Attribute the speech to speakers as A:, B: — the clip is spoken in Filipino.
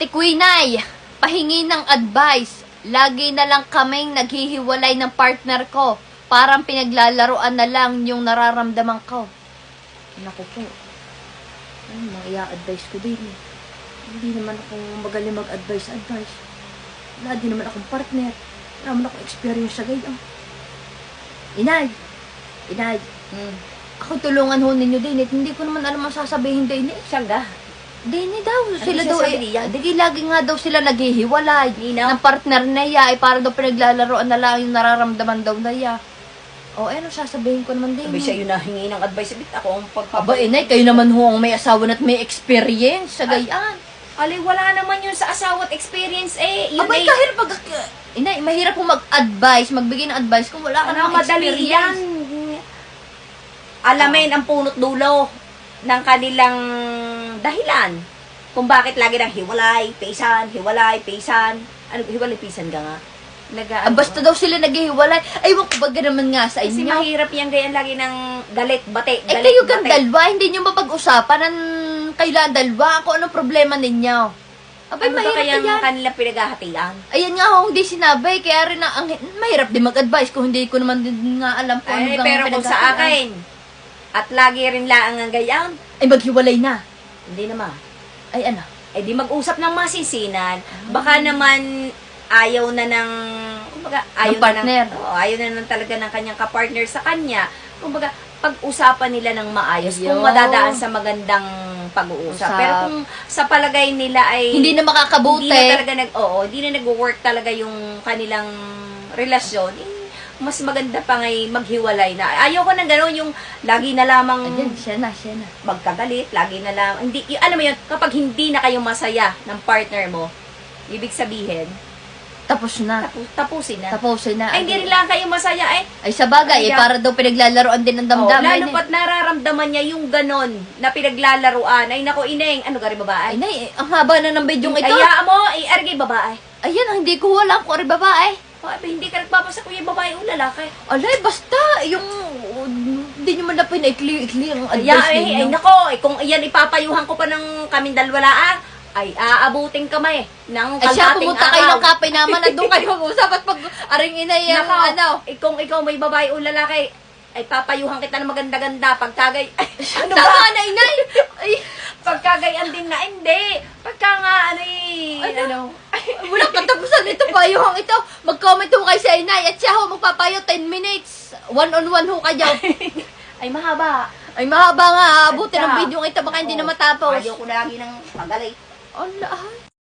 A: Ate Quinay, pahingi ng advice. Lagi na lang kaming naghihiwalay ng partner ko. Parang pinaglalaroan na lang yung nararamdaman ko. Naku po. Ano mga i-advise ko din eh. Hindi naman ako magaling mag-advise. Wala din naman akong partner. Wala naman akong experience sa ganyan. Inay. Ako tulungan ho ninyo din. Hindi ko naman alam ang sasabihin din eh.
B: Sangga.
A: Dini daw, sila daw
B: sasabi niya?
A: Digi lagi nga daw sila naghihiwalay
B: Ninaw?
A: ng partner niya, para daw pinaglalaroan na lang yung nararamdaman daw niya. O, ano sasabihin ko naman din.
B: Sabi siya yun na hingi ng advice. Bit ako ang
A: Aba, inay, kayo naman ho ang may asawa at may experience sa gayaan.
B: Ali, wala naman yun sa asawa at experience eh. Yun
A: Aba,
B: eh.
A: kahirap Inay, mahirap po mag-advise, magbigay ng advice kung wala ka ng
B: madali yan.
A: experience.
B: Alamin ang punot dulo ng kanilang dahilan. Kung bakit lagi nang hiwalay, pisan. Ano, hiwalay, pisan ka nga.
A: Basta daw sila naghihiwalay. Ay, wag baga naman nga sa
B: Kasi
A: inyo.
B: mahirap yan gayan lagi ng galit, bate.
A: Eh, kayo kang dalawa, hindi nyo mapag-usapan ng kailan dalawa kung anong problema ninyo. Abay,
B: Ano ba
A: mahirap
B: kayang
A: yan.
B: kanilang pinaghahatian?
A: Ayan nga ho, hindi sinabi. Kaya rin mahirap din mag-advise kung hindi ko naman din nga alam kung
B: Ay,
A: ano
B: pero kung sa akin, at lagi rin laang ang gayan,
A: Ay, maghiwalay na.
B: hindi naman.
A: Ay, ano?
B: Eh di mag-usap ng masinsinan. Baka naman ayaw na ng, kumbaga, ayaw
A: Ng partner.
B: ayaw na ng talaga ng kanyang kapartner sa kanya. Kumbaga, pag-usapan nila ng maayos kung
A: Ayun.
B: madadaan sa magandang pag-uusap.
A: Usap.
B: Pero kung sa palagay nila ay
A: Hindi na makakabuti.
B: hindi na talaga hindi na nag-work talaga yung kanilang relasyon, eh, mas maganda pa ngay maghiwalay na. Ayaw ko ng gano'n yung lagi na lamang
A: Ayan, siya na.
B: magkagalit, lagi na lang. Hindi, alam mo yun, kapag hindi na kayo masaya ng partner mo, ibig sabihin,
A: Tapos na.
B: tapusin na.
A: Tapusin na.
B: Ay, hindi rin lang kayo masaya eh.
A: Ay, sa bagay,
B: Ay,
A: para daw pinaglalaroan din ng
B: Oh,
A: damdamin.
B: lalo pat nararamdaman niya yung ganon na pinaglalaruan. Ay, nako, ineng, ano gari babae?
A: Ay, nay, ang haba na ng video ito.
B: Kaya mo, argay babae.
A: Ayan, hindi ko wala kung ari babae.
B: Ay, hindi ka nagpapasa kung yung babae o lalaki.
A: Alay, basta, yung, hindi nyo man na pinaikli-ikli ang
B: Ay,
A: advice
B: ay,
A: ninyo.
B: nako, kung iyan ipapayuhan ko pa ng kaming dalwalaan, ay aabutin kami ng
A: Ay, siya,
B: kalhating
A: pumunta kayo
B: araw.
A: ng kape naman at doon kayo mag-usap at pag aring inay yung
B: Nako,
A: ano.
B: kung ikaw may babae o lalaki, ay papayuhan kita ng maganda-ganda. Pagkagay, ano
A: Tama
B: ba?
A: na, inay! Ay,
B: Pagkagayan din na, hindi. Pagka nga,
A: Ano? walang katapusan ito, payuhang ito. Mag-comment ho kayo sa inay at siya ho magpapayo 10 minutes. One-on-one ho kayo.
B: ay mahaba.
A: Ay, mahaba nga, abutin ang
B: Siya.
A: video ito, baka hindi na matapos.
B: Ayaw ko lagi ng pagalit.
A: Ala,